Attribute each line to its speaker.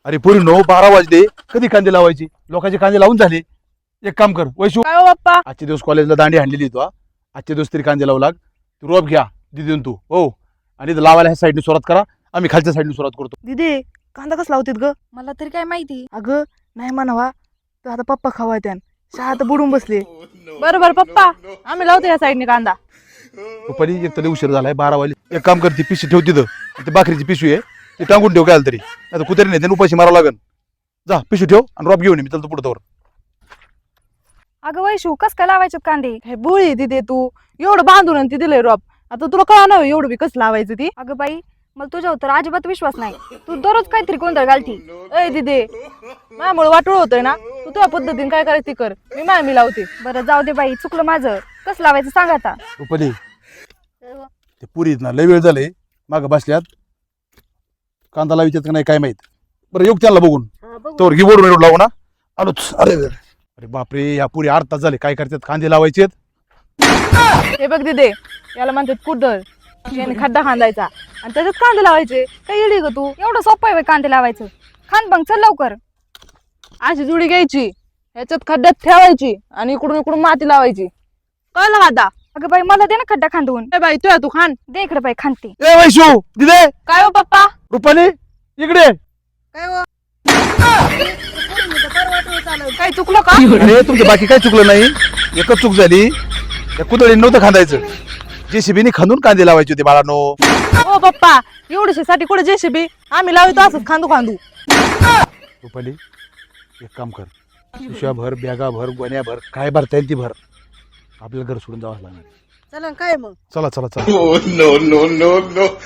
Speaker 1: अरे पोरी 12 वाजले, कधी कांदे लावायचे? लोकांचे कांदे लावून झाले. एक काम कर वैशू,
Speaker 2: काय हो बाप्पा?
Speaker 1: आजचे दिवस कॉलेजला दांडी हाणलेली तू. आजचे दिवस तरी कांदे लावू लाग. तू रोप घ्या दिदीन तू हो, आणि इथं लावायला ह्या साईडने सुरुवात करा, आम्ही खालच्या साईडने सुरुवात करतो.
Speaker 2: दिदी कांदा कसला लावतात ग?
Speaker 3: मला तरी काय माहिती.
Speaker 2: अगं नाही म्हणावा, तर आता पप्पा खावा त्यान शाळा तर बुडून बसले.
Speaker 4: बरोबर पप्पा, आम्ही लावतो या साईडने कांदा.
Speaker 1: रुपाली एक तरी उशीर झालाय, 12 वाजले. एक काम कर, ती पिशवी ठेव तिथं, ती भाकरीची पिशवी आहे ती टांगून ठेव काय तरी, नाही तर कुत्रे नाही त्याने उपाशी मारावं लागेल. जा पिशवी ठेव आणि रोप घेऊन ये, मी चलतो पुढे तोवर.
Speaker 3: अगं वैशू कस काय लावायचे कांदे?
Speaker 4: हे बुळी दिदे तू, एवढं बांधून आणि ती दिलंय रोप. आता तुला कळा ना एवढं बी कसं लावायचं ती.
Speaker 3: अगं बाई मला तुझ्यावर तर अजिबात विश्वास नाही. तू दररोज काहीतरी गोंधळ घालती.
Speaker 4: ए दिदे, माझ्यामुळे वाटोळ होतोय ना, तू तुझ्या पद्धतीने काय करायचं ती कर, मी लावते.
Speaker 3: बरं जाऊ दे बाई, चुकलं माझं. कसं लावायचं सांग आता.
Speaker 1: रुपाली ते पुरी ना लय वेळ झाले मागं बसल्यात, कांदा लावायच्यात का नाही काय माहित. बरं योग त्याला बघून तोवर घे बोलून लावू ना. आलोच. अरे अरे बापरे, या पुरी 8 तास झाले काय करतात, कांदे लावायचेत.
Speaker 4: हे बघ दिदे, याला म्हणतात कुदळ. याने खड्डा खांदायचा आणि त्याच्यात कांदे लावायचे. काय येडी ग तू?
Speaker 3: एवढं सोपं आहे बाई कांदे लावायचं. खान बंग चल लवकर.
Speaker 4: अशी जुडी घ्यायची, ह्याच्यात खड्ड्यात ठेवायची आणि इकडून इकडून माती लावायची. कळलं का आता?
Speaker 3: अगं बाई मला दे ना खड्डा खांदवून.
Speaker 4: ए बाई तू खान.
Speaker 3: दे इकडे बाई खांदते.
Speaker 1: ए वैशू दिदे,
Speaker 4: काय हो पप्पा?
Speaker 1: रुपाली इकडे.
Speaker 4: काय चुकलं का?
Speaker 1: अरे तुमचं बाकी काय चुकलं नाही, एकच चूक झाली, या कुदळीने नव्हतं खांदायचं, JCB खांदून कांदे लावायचे होते बाळानो.
Speaker 4: हो पप्पा, एवढ्याशा साठी कुठे JCB? आम्ही लावतो असंच खांदू.
Speaker 1: रुपाली एक काम कर, पिशव्या भर, बॅगा भर, गोण्या भर, काय भरता येईल ती भर. आपल्याला घर सोडून जावं लागणार.
Speaker 2: चला काय मग?
Speaker 1: चला चला चला.